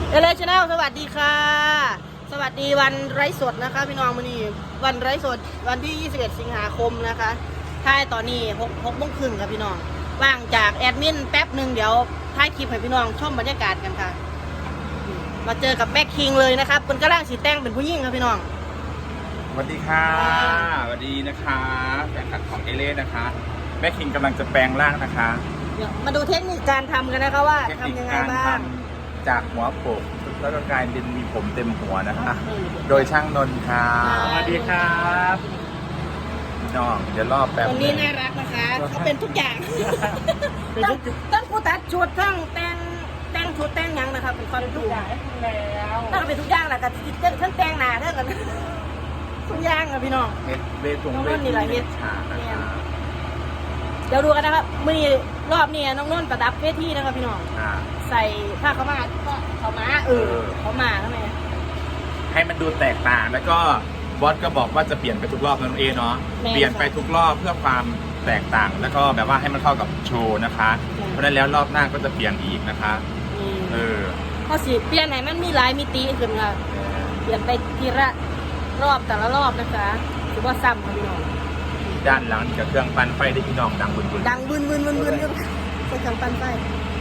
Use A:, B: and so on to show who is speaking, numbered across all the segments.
A: เอเลชแนลสวัสดีค่ะสวัสดีวันไร้สดนะคะพี่น้องมื้อนี้วันไร้สดวันที่ 21 สิงหาคมนะคะท้ายตอนนี้6 โมงครึ่งค่ะพี่น้องว่างจากแอดมินแป๊บหนึ่งเดี๋ยวท้ายคลิปให้พี่น้องชมบรรยากาศกันค่ะมาเจอกับแม่คิงเลยนะครับเป็นกระด้างสีแต้งเป็นผู้หญิงครับพี่น้อง
B: สวัสดีค่ะสวัสดีนะคะแฟนคลับของเอเล่นะคะแม่คิงกำลังจะแปลงร่างนะคะ
A: เดี๋ยวมาดูเทคนิคการทำกันนะคะว่าทำยังไงบ้าง
B: จากหัวโปกแล้วก็กลายเป็นมีผมเต็มหัวนะคะโดยช่างนนท์ค่ะ
C: สวัสดีครับ
B: พี่น้องเดี๋ยวรอบแป๊บ
A: คนนี้น่ารักนะคะเขาเป็นทุกอย่างตั้งผู้ตัดชุดทั้งแต่งชุดแต่งยังนะครับเป็นคนทุกอย่างแล้วตั้งเป็นทุกอย่างแหละกับทั้งแต่งหนาเท่ากันทุกอย่างอะพี่น้อง
B: เฮ็ดเวทงเวทฉากนะคะ
A: เดี๋ยวดูกันนะครับมื้อนี้รอบนี้น้องนุ่นประดับเวทีนะครับพี่น้องใส่ผ้าขาวม้าก็ขาวม้าขาวม้าทำไม
B: ให้มันดูแตกต่างแล้วก็บอสก็บอกว่าจะเปลี่ยนไปทุกรอบนั่นเองเนาะเปลี่ยนไปทุกรอบเพื่อความแตกต่างแล้วก็แบบว่าให้มันเข้ากับโชว์นะคะเพราะนั้นแล้วรอบหน้าก็จะเปลี่ยนอีกนะคะ
A: พอสิเปลี่ยนไหนมันมีหลายมิติขึ้นค่ะเปลี่ยนไปทีละรอบแต่ละรอบนะคะถือว่าซ้ำค่ะพี่น้อง
B: ด้านหลังกับเครื่องปั่นไฟได้พี่น้องดังบึน
A: ดังบึนใส่เครื่องปั่นไฟ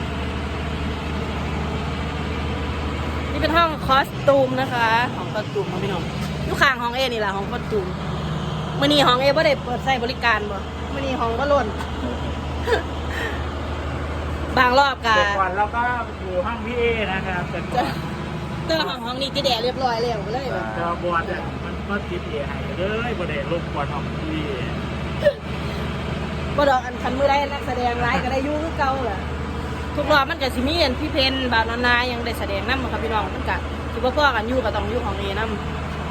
A: นี่เป็นห้องคอสตูมนะคะห้องคอสตูมของพี่น้องลูกค้างห้องเอนี่แหละห้องคอสตูมมื่อนี้ห้องเอบ่ได้เปิดใช้บริการบ่มื่อนี้ห้องก็ล้นบางรอบกัน
C: ก่อนเราก็อยู่ห้องพี่เอนะครับเป็น
A: ห้องนี้จะแดดเรียบร้อยแล้วเลย
C: ก็บอลเนี่ยมันก็ติดเอให้เลยบอลเดลลูกบอลห้องพี่
A: บ่ดอกอันคันมือได้นักแสดงร้ายก็ได้ยุ่งเก่าแหละทุกรอบมันก็สิมีอันพี่เพนบานานายังได้แสดงนำครับพี่น้องมันก็สิบ่พอกันอยู่ก็ต้องอยู่ของเอนำ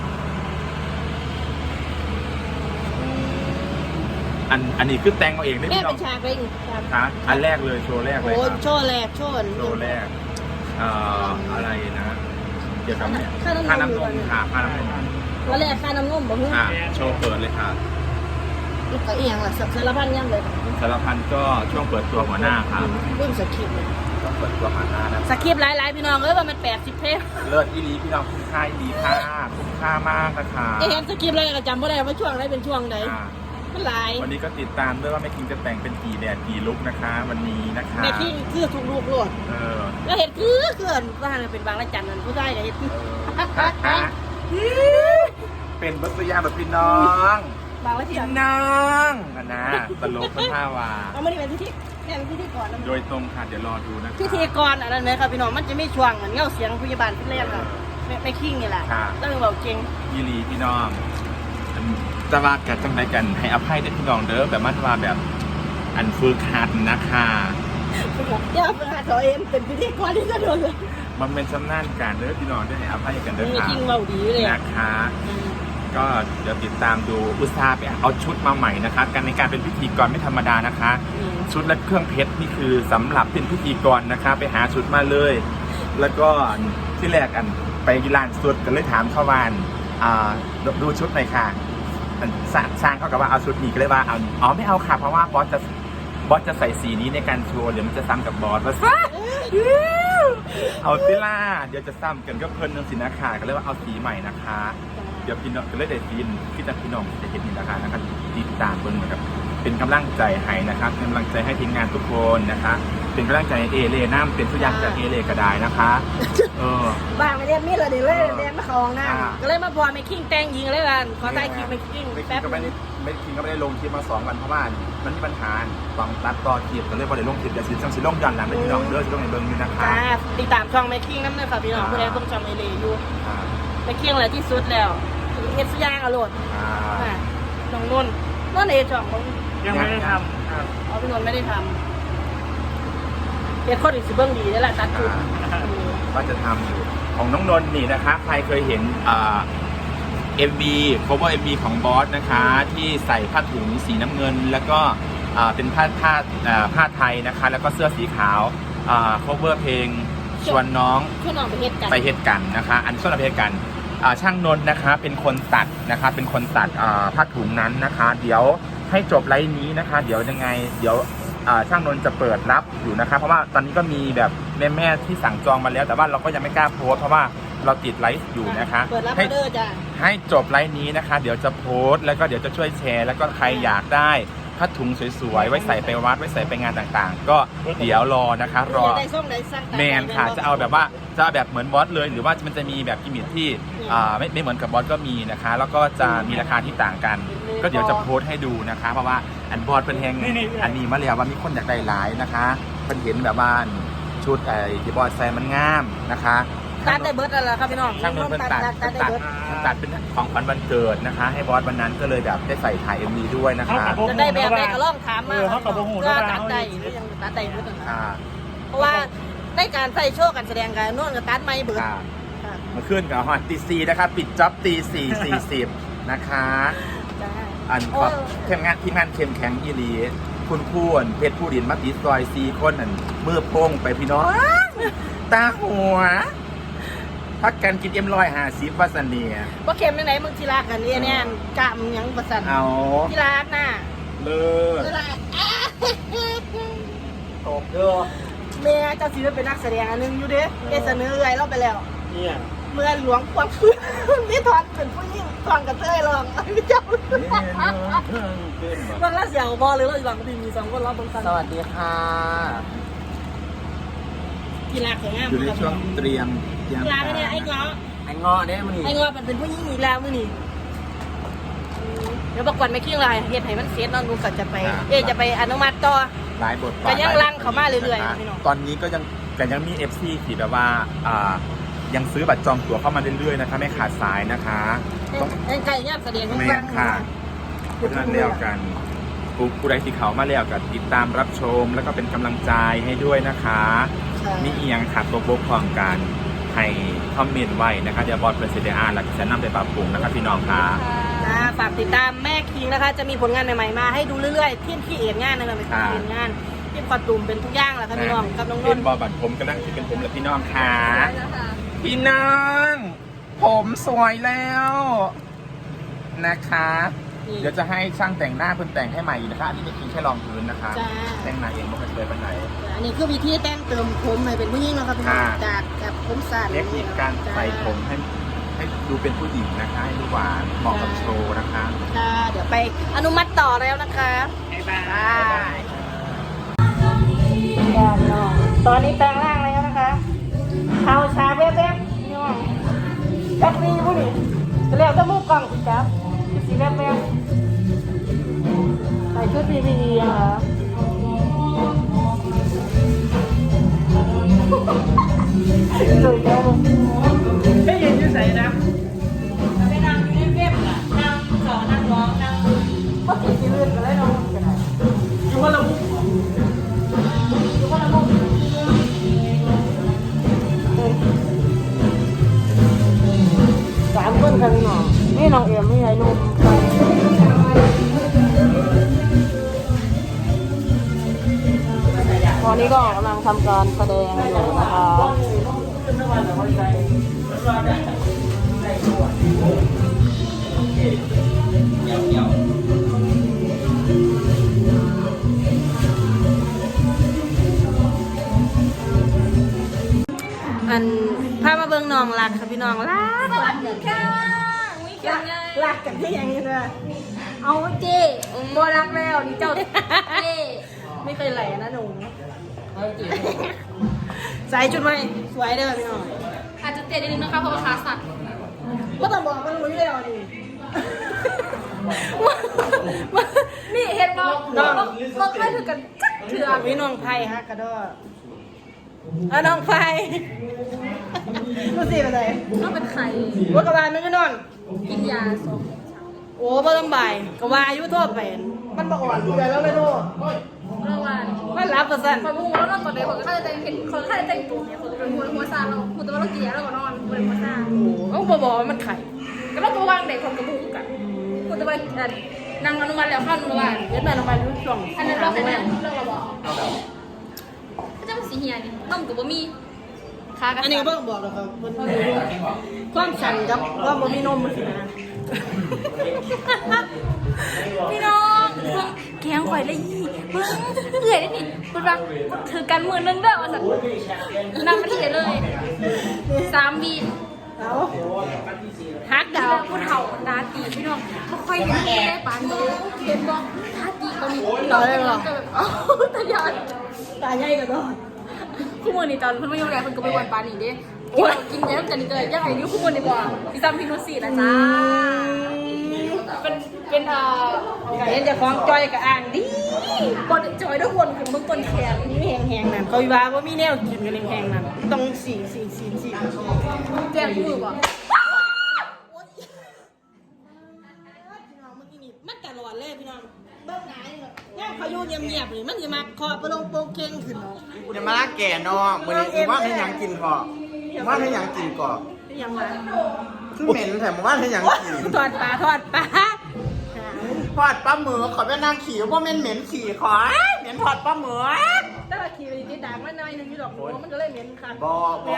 B: อันนี้คือแต่งเอาเองได้
A: พี่น้องฉากไป
B: ค่ะอันแรกเลยโชว์แรกเลย
A: โอ้โชว์แรกโชว์
B: แรกอะไรนะเกี่ยวกับค่าน้ำนมค่ะค่าน้ำนม
A: แล้วแรกค่าน้ำนมบ่ฮู้
B: โชว์เปิดเลยค่ะ
A: ลูกก็เอียงล่ะสารพันยังเลย
B: สารพันก็ช่วงเปิดตัวหัวหน้าค่ะ
A: เรื่องสคริปต์
B: ต้องเปิดตัวหัวหน้านะ
A: สคริปต์หลายๆพี่น้องว่ามัน80 เพลง
B: เลิศอีหลีพี่น้องคุ้มค่าดีค่ะคุ้มค่ามากนะคะ
A: เห็นสคริปต์อะไรก็จำไม่ได้ว่าช่วงไหนเป็นช่วงไหนมันหลาย
B: วันนี้ก็ติดตามด้วยว่าแม่คิงจะแต่งเป็นกี่แดดกี่ลุคนะคะวันนี้นะคะ
A: แม่คิงคือทุกลุคโลดแล้วเห็นคือว่าเป็นบางละจันนั่นผู้ชายเห็น
B: เป็นบัตรยาแบบพี่น้อง
A: บางละจัน
B: น้องนะตลกเป็นท่าวา
A: เอาไม่ได้เป็นพิธีเป็นพิธีก่อน
B: โดยตรงค่ะเดี๋ยวรอดูนะ
A: พิธีก่อนอะไรนะครับพี่น้องมันจะไม่ช่วงเหมือนเงาเสียงพยาบาลที่แรกค่ะไม่คิงนี่แหละต้องบอกเก่ง
B: ยีรีพี่น้องจะว่ากันจังไรกันให้อภัยได้พี่น้องเด้อแบบมันว่าแบบอันฝึกหัดนะคะ
A: อย่าฝึกหัดตัวเองเป็นพิธีกรที่จะโดนเลย
B: มันเป็นชำนาญการเด้อพี่น้องได้ให้อภัยกันเด้อค่ะ
A: จริงเราดีเลย
B: นะคะก็เดี๋ยวติดตามดูอุตสาห์ไปเอาชุดมาใหม่นะคะการในการเป็นพิธีกรไม่ธรรมดานะคะชุดและเครื่องเพชรนี่คือสำหรับเป็นพิธีกรนะคะไปหาชุดมาเลยแล้วก็ที่แรกกันไปร้านสุดก็เลยถามเขาวานดูชุดหน่อยค่ะสร้างเขากับว่าเอาชุดนี้ก็เลยว่าเอาไม่เอาค่ะเพราะว่าบอสจะใส่สีนี้ในการโชว์เดี๋ยวมันจะซ้ำกับบอสว่าเอาติล่าเดี๋ยวจะซ้ำกันก็เพลินนึงสินะค่ะก็เลยว่าเอาสีใหม่นะคะเดี๋ยวพี่น้องก็เลยได้ฟีนพี่จะพี่น้องจะเห็นนี่นะคะนะครับติดตามคนเหมือนกับเป็นกำลังใจให้นะครับเป็นกำลังใจให้ทีมงานทุกคนนะคะเป็นกำลังใจเอเล่น้ำเป็นทุกอย่างจากเอเล่ก็ได้นะคะ
A: บ้างไม่เรียนมีดเลยดิเลยเรียนมาคลองน้ำก็เลยมาพอไม่คิงแต่งยิงเลยกันขอใต้คลิปไม่คิง
B: แป๊บไม่คิงก็ไม่ได้ลงคลิปมา2 วันเพราะว่ามันมีปัญหาฟังตัดต่อคลิปก็เลยพอได้ลงคลิปแต่สิลงย้อนหลังไปพี่น้องเด้อสิลงในเบิ้งอยู่นะคะ
A: ติดตามช่องไม่คิงน้ำเลยค่ะพี่น้องเพื่อนต้องช่องเอเล่อยู่ไม่คิงอะไรที่สุดแล้วเฮ็ดสุย่างอร่อยน้องนุ่นเอช่อง
C: ยังไม่ได้ทำ
A: พี่นนท์ไม่ได้ทำเฮ็ดข้อดีสิเบิ้งดีนี่แหละตัดจุด
B: ก็จะทำอยู่ของน้องนนท์นี่นะคะใครเคยเห็นMV cover MV ของบอสนะคะที่ใส่ผ้าถุงสีน้ำเงินแล้วก็เป็นผ้าไทยนะคะแล้วก็เสื้อสีขาว cover เพลงชวนน้องไปเฮ็ดกันนะคะอันส่วนไปเฮ็ดกันช่างนนท์นะคะเป็นคนตัดนะคะเป็นคนตัดผ้าถุงนั้นนะคะเดี๋ยวให้จบไลฟ์นี้นะคะเดี๋ยวยังไงเดี๋ยวช่างนนท์จะเปิดรับอยู่นะคะเพราะว่าตอนนี้ก็มีแบบแม่ที่สั่งจองมาแล้วแต่ว่าเราก็ยังไม่กล้าโพสต์เพราะว่าเราติดไลฟ์อยู่นะคะ
A: เปิดรับอ
B: ให้
A: อเดอร์จ้ะ
B: ให้จบไลฟ์นี้นะคะ เดี๋ยวจะโพสต์แล้วก็เดี๋ยวจะช่วยแชร์แล้วก็ใครอยากได้ผ้าถุงสวยๆไว้ใส่ไปวัดไว้ใส่ไปงานต่างๆ ก็เดี๋ยวรอนะคะรอ
A: ได้ส่งได้สั่ง
B: แมนค่ะจะเอาแบบว่าจะเอาแบบเหมือนบอสเลย หรือว่ามันจะมีแบบกิมมิคที่ไม่เหมือนกับบอสก็มีนะคะ แล้วก็จะมีราคาที่ต่างกัน ก็เดี๋ยวจะโพสต์ให้ดูนะคะ เพราะว่าอันบอสเป็นแฮงอันนี้มาแล้วว่ามีคนอยากได้หลายนะคะเป็นเห็นแบบว่าชุดที่บอสใส่มันงามนะคะ
A: ตัดได้เบิร์ดอะไรครับพี่น้อง
B: ช่างนนท์เป็นตัด
A: ได้เบิร์ด
B: เป็นของขวัญวันเกิดนะคะ ให้บอสวันนั้นก็เลยแบบได้ใส่ถ่าย MV ด้วยนะคะ
A: จะได้แบบไหนก็ลองถามมา
C: เขากับโมโห
A: ก็
C: แล้ว
A: ตัดได้หรือยังตัดได้เบิร์ด
B: ค่ะ
A: เพราะว่าในการใส่โชว์การแสดงการนวดกับตัดไม่เบิร์ด
B: ค่ะมาขึ้นกับฮอตตี4นะคะปิดจ็อบตี4:40นะคะ
A: จ้า
B: อันก็ทีมงานเข้มแข็งอีหลีคุณคู่อันเพชรผู้ดินมาติดซอย4คนอันมือโป้งไปพี่น้องตาหัวพักกันกินM150ว่าสันเนีย
A: ว่าเข็มยังไงมึงทีรักกันเนี่ยกะมึงยังประสัน
B: เอา
A: ทีรักน่ะ
B: เลิศ
A: ทีรัก
C: ตกเด้อ
A: เมียเจ้าศิลป์เป็นนักแสดงอันนึงอยู่เด้เสนออะไรเราไปแล้ว
C: เนี่ย
A: เมื่อหลวงความคืนนี่ทอนเป็นผู้หญิงทอนกับเต้ยลองพี่เจ้าบางละเสียงบอลหรือเราหลังดีมี2 คนรอบบางสัน
C: สวัสดีค่ะ
A: กีฬาแข่งงาน
B: อยู่ในช่วงเตรียม
A: กีฬาเนี่ยไอ้เงาะ
C: ไอ้งอเนี่ยมันนี่
A: ไอ้เงาะมันเป็นผู้หญิงอีกแล้วมื้อนี้เดี๋ยวประกวดไม่คิงลายเฮ็ดให้มันเสร็จน้องดูก็จะไปจะไปอนุมัติต่อ
B: หลายบทบาท
A: ก็ยังรังเข้ามาเรื่อยๆ
B: นะคะ
A: พี่น้อง
B: ตอนนี้ก็ยังมี FC ที่แบบว่ายังซื้อบัตรจองตั๋วเข้ามาเรื่อยๆนะคะไม่ขาดสายนะคะต้อง
A: ไก่ย่างแสดง
B: แม่นค่ะเพราะฉะนั้นเรียกกันผู้ใดที่เขามาแล้วก็ติดตามรับชมแล้วก็เป็นกำลังใจให้ด้วยนะคะมีเอียงขาดตัวบกพร่องกันให้คอมเมนต์ไว้นะคะเดี๋ยวบอสเป็นเซเดียร์แล้วก็จะนำไปปรับปรุงนะคะพี่น้องค่ะ
A: ฝากติดตามแม่คิงนะคะ จะมีผลงานใหม่ๆมาให้ดูเรื่อยๆที่เอ็นงานนะคะเป็นที่เอ็นงานที่คอตูมเป็นทุกอย่างแหละค่ะพี่น้องกับน้องน
B: เป็น
A: นท์
B: บอบัตรผมกำลังที่เป็นผมและพี่น้องค่ะพี่น้อง ผมสวยแล้วนะคะ เดี๋ยวจะให้ช่างแต่งหน้าเพิ่นแต่งให้ใหม่อีกนะคะอันนี้เป็นคิงแค่รองพื้นนะคะ แต่งหน้าเองไม่เคยเลยไปไหน
A: อันนี้คือวิธีแต่งเติมผมให้เป็นผู้หญิงนะครับพี่น้องจากผมสั้น
B: เทคนิคการใส่ผมให้ดูเป็นผู้หญิงนะคะให้ดูหวานเหมาะกับโชว์นะคะ
A: ค่ะเดี๋ยวไปอนุมัติต่อแล้วนะคะ
C: บ๊ายบาย
A: ตอนนี้แปลงร่างแล้วนะคะเท้าชาแวบๆพี่น้องจักรีผู้นี่จะเรียกจะมุกกล่องสิครับสีแวบๆใส่ชุด PPE นะคะสวยจัง
C: ไม่ยืนอยู่ใส่นะ
A: ไปนั่งอยู่ในเว็บน่ะนั่งสอนนั่งร้องนั่งก็ติดที่ลื่นกันเลยน้องกันไหน
C: อยู่คนละมุม
A: อยู่คนละมุม3 คนค่ะพี่น้องนี่น้องเอ็มนี่ไอ้นุ่มตอนนี้ก็กำลังทำการแสดงอยู่นะคะอันพามาเบิ่งน้องรักค่ะพี่น้องรัก
D: สวัสดีค่ะไม่เขียนไง
A: รักกันที่อย่างนี้เลย
D: เอาเจ้โบรักแล้วนี่เจ้าเจ้
A: ไม่เคยไหลนะหนูใส่ชุดไหมสวยเด้อพี่น้อง
D: อาจจะเตะนิดนึงนะคะเพราะว่าขาสั่น
A: ก็ต้องบอกมันรู้อยู่แล้วนี่
D: นี่เห็นบอกบอกให้ถือกันจักเถื่อ
A: พี่น้องไผ่ฮะกระโดดน้องไผ่รู้สิเป็นไร
D: ต้องเป็นใคร
A: ว่ากระบาลมันก็นอน
D: กินยาสม
A: โอ้บ่ต้องบ่ายกระวาอายุโทษเป็นมันบ่อ่อนเกินแล้วไม่โทษ
D: ระหว่าง
A: มันรับประสัน
D: คนมูแล้วนอนก่อนเดี๋ยวคนก็จะเห็นคนก็จะแต่งตัวเนี่ยคนเป็นหัวซาเราคุณตัวเรากินยาแล้วก็นอนเป็นหัวซา
A: โอ้บ่บอกว่ามันไข่
D: ก็ต้องระวังเด็กคนกระบุกกันคุณตัวนางอนุมัติแล้วเข้าอนุมัติ
A: เฮ็ดมาลงมารู้ช่วง
D: อันนั้นเราเป็นเราบอกก็จะเป็นสีเฮียนี่นมกับบะหมี่ขา
A: อันนี้ก็เพิ่งบอกแล้วครับมันความสั่นกับว่าบ่มีนมมันสินะ
D: พี่น้องแกงข่อยเลยยี่เบิ่งเอื่อยได้นี่พูดว่าถือกันมือนึงเด้อว่าสั่นนำมาที่เลย3 วี
A: เอาฮักดาว
D: ผู้เฒ่าตาตีพี่น้องบ่ค่อยเห็นได้ปานนี้เห็นบ่ตาตีก็มีตายาย
A: ตาใหญ่กันเนาะ
D: คู่มือนี่ตอนเพิ่นมาอยู่แลเพิ่นก็ไปวันปานนี้เด้กินแล้วกันนี่เด้อยังไงอยู่คู่มือนี่บ่พี่ซ้ำพี่นุช4นะจ้าเป็น
A: เห็นจะของจอยกับอ่างดิ
D: บ่ได้จอยด้วยวนขึ้นเบิ่งต้นแขน
A: นี่แหงๆนั่นเขาว่าว่ามีแนวกินกันแหงๆนั่นต้องสี
D: แจ้งมือบ่
A: มันตลอดเลยพี่น้องเบิ่งไหนเนี่ยเขาอยู่เงียบๆเลยมันจะมาคอประลงโปงเก่งขึ้นเนาะ
E: กูจะมาลากแก่เนาะมื้อนี้ว่าให้หยังกินพอว่าให้หยังกินก่อน
A: ยังไง
E: คือเหม็นแต่ว่าให้หยังกิน
A: ทอดปลา
E: ทอดปลาหมึกขอเป็นนางขี่ว่าเหม็นขี่ขอเหม็นทอดปลาหมึก
A: แต่ว่าขี่ไปติดด่างมันน้อยนึงอยู่ดอกหัวมันก็เลยเหม็นคัน
E: บ่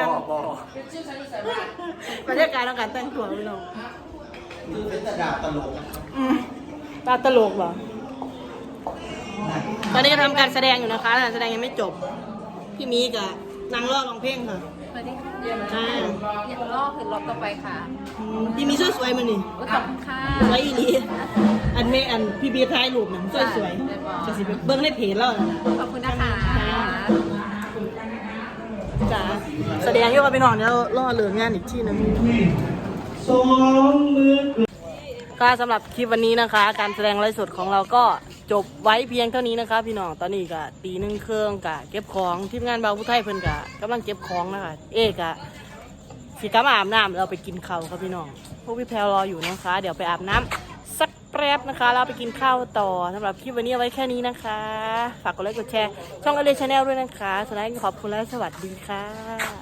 A: บรรยากาศของการแต่งตัวพี่น้อง
E: เป็นแต่ดาบตลก
A: ตาตลกเหรอตอนนี้ทำการแสดงอยู่นะคะการแสดงยังไม่จบพี่มีกับนางรอดร้องเพลงค่ะ
D: สวัสดีค่ะ
A: อ่า
D: อยากรอบขึ้นรอบต่อไปค่ะ
A: พี่มีสวยๆมานี่
D: ขอบคุณค่ะ
A: สวยอีหลีอันเมอันพี่บีท้ายรูปนั่นสวยๆจะสิไปเบิ้งในเพจแล้วนะ
D: ขอบคุณนะคะ
A: จ้าแสดงอยู่กับพี่น้องเดี๋ยวรอเลิกงานอีกที่นึงก็สำหรับคลิปวันนี้นะคะ การแสดงไลฟ์สดของเราก็จบไว้เพียงเท่านี้นะคะพี่น้องตอนนี้ก็ตี 1 เครื่องกะเก็บของทีมงานเบาผู้ไทยเพิ่นกะกำลังเก็บของนะคะเอกะสิกลับมาอาบน้ำเราไปกินข้าวครับพี่น้องพวกพี่แพลรออยู่นะคะ เดี๋ยวไปอาบน้ำสักแป๊บนะคะแล้วไปกินข้าวต่อสำหรับคลิปวันนี้เอาไว้แค่นี้นะคะฝากกดไลค์กดแชร์ช่องอเลชาแนลด้วยนะคะสุดท้ายขอบคุณและสวัสดีค่ะ